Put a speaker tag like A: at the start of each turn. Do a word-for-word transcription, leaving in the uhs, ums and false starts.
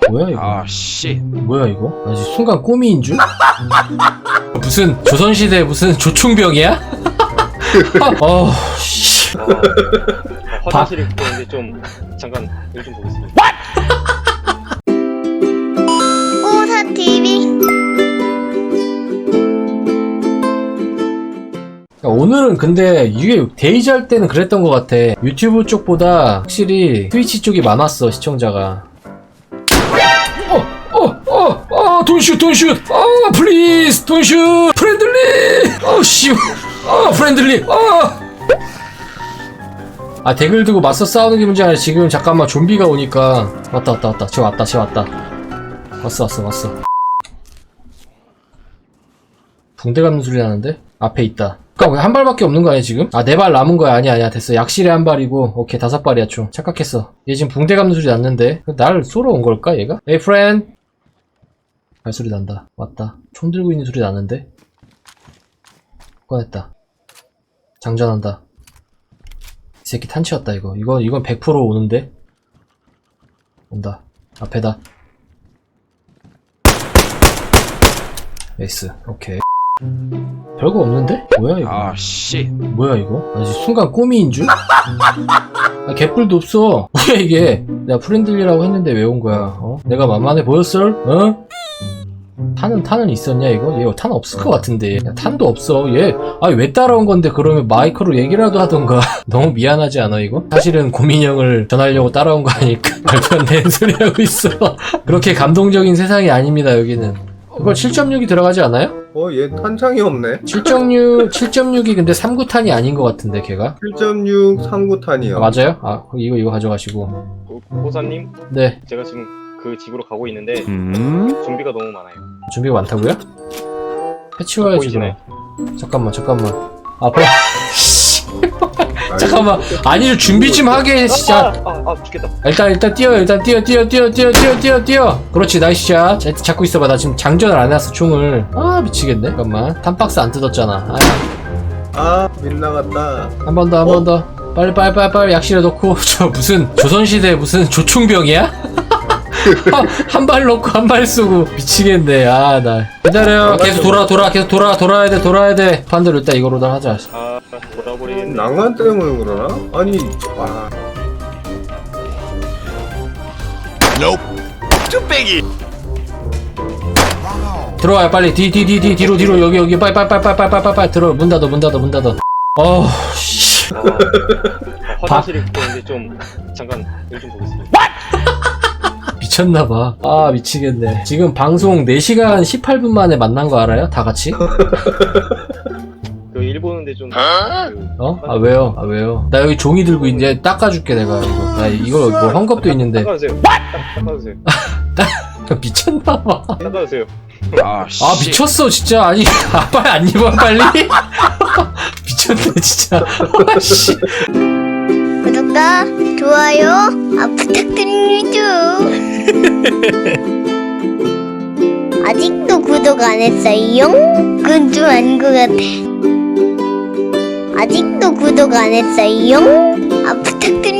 A: 뭐야 이거?
B: 아 씨.
A: 뭐야 이거? 나 지금 순간 꼬미인 줄? 무슨 조선시대 무슨 조충병이야? 어, 씨.
C: 아, 화장실에 있는데 좀 잠깐 일 좀 보겠습니다.
D: 오사티비.
A: 오늘은 근데 이게 데이지 할 때는 그랬던 것 같아. 유튜브 쪽보다 확실히 트위치 쪽이 많았어, 시청자가. 어, 어, 어, 어, 돈슛, 돈슛, 어, 플리즈, 돈슛, 프렌들리, 어, 씨, 어, 프렌들리, 어. 아, 덱을 두고 맞서 싸우는 게 문제 아니라 지금 잠깐만 좀비가 오니까. 왔다, 왔다, 왔다. 쟤 왔다, 쟤 왔다. 왔어, 왔어, 왔어. 붕대 감는 소리 나는데? 앞에 있다. 그니까 한 발밖에 없는 거 아니야 지금? 아 네 발 남은 거야. 아니야 아니야 됐어. 약실에 한 발이고 오케이 다섯 발이야 총. 착각했어. 얘 지금 붕대 감는 소리 났는데 날 쏘러 온 걸까 얘가? 에이 프렌드. 발소리 난다. 왔다. 총 들고 있는 소리 나는데? 꺼냈다. 장전한다. 이 새끼 탄치였다 이거. 이거 이건 백 퍼센트 오는데? 온다. 앞에다. 에이스. 오케이. 별거 없는데? 뭐야 이거?
B: 아 씨.
A: 뭐야 이거? 나 지금 순간 꼬미인 줄? 아, 개뿔도 없어. 뭐야 이게? 내가 프렌들리라고 했는데 왜 온 거야? 어? 내가 만만해 보였어? 어? 탄은 탄은 있었냐 이거? 얘 탄 없을 것 같은데. 야, 탄도 없어. 얘 아니 왜 따라온 건데 그러면 마이크로 얘기라도 하던가. 너무 미안하지 않아 이거? 사실은 고민형을 전하려고 따라온 거 아니까 말도 안 되는 소리 하고 있어. 그렇게 감동적인 세상이 아닙니다 여기는. 이거 칠 점 육이 들어가지 않아요?
E: 어, 얘 탄창이 없네.
A: 칠 점 육, 칠 점 육이 근데 삼 구 탄이 아닌 것 같은데, 걔가?
E: 칠 점 육 삼 구 탄이요.
A: 아, 맞아요? 아, 이거, 이거 가져가시고.
C: 호사님,
A: 네.
C: 제가 지금 그 집으로 가고 있는데
B: 음?
C: 좀비가 너무 많아요.
A: 준비가 많다고요? 해치워야지,
C: 보이시나요?
A: 그럼. 잠깐만, 잠깐만. 앞에. 잠깐만. 아니, 준비 좀 하게, 진짜.
C: 아, 아, 아, 죽겠다.
A: 일단, 일단 뛰어, 일단 뛰어, 뛰어, 뛰어, 뛰어, 뛰어, 뛰어, 뛰어. 그렇지, 나이스 샷. 자, 잡고 있어봐. 나 지금 장전을 안 해놨어, 총을. 아, 미치겠네. 잠깐만. 탄박스 안 뜯었잖아. 아,
E: 아, 빗나갔다.
A: 한 번 더, 한 번 더. 빨리, 빨리, 빨리, 빨리 약실에 넣고. 저 무슨, 조선시대 무슨 조충병이야? 한 발 넣고 한 발 쏘고 미치겠네. 아, 나 기다려. 계속 돌아 돌아 계속 돌아 돌아야 돼 돌아야 돼. 반대로 일단 이거로 다 하자.
C: 아, 돌아버리겠네.
E: 난간 때문에 그러나? 아니, 와.
A: 들어와요 빨리. 뒤 뒤 뒤 뒤 뒤로 뒤로 여기 여기 빨리 빨리 빨리 빨리 빨리 빨리 빨리 들어. 문 닫아 문 닫아 문 닫아. 어 씨.
C: 아, 화장실에 있는데 좀 잠깐 일 좀 보겠습니다.
A: 미쳤나봐. 아 미치겠네. 지금 방송 네 시간 십팔 분 만에 만난 거 알아요? 다 같이?
C: 그 일 보는데 좀. 그,
A: 어? 아 왜요? 아 왜요? 나 여기 종이 들고 이제 닦아줄게 내가 이거. 나 이거 뭐 헝겊도 있는데.
C: 닦아주세요. 딱, 닦아주세요.
A: 미쳤나봐.
C: 닦아주세요.
B: 아 씨.
A: 아 미쳤어 진짜. 아니 아 빨리 안 입어 빨리. 미쳤네 진짜. 아, 씨.
D: 구독과 좋아요 아, 부탁드립니다. 아직도 구독 안 했어요? 그건 좀 아닌 것 같아. 아직도 구독 안 했어요? 아 부탁드립니다.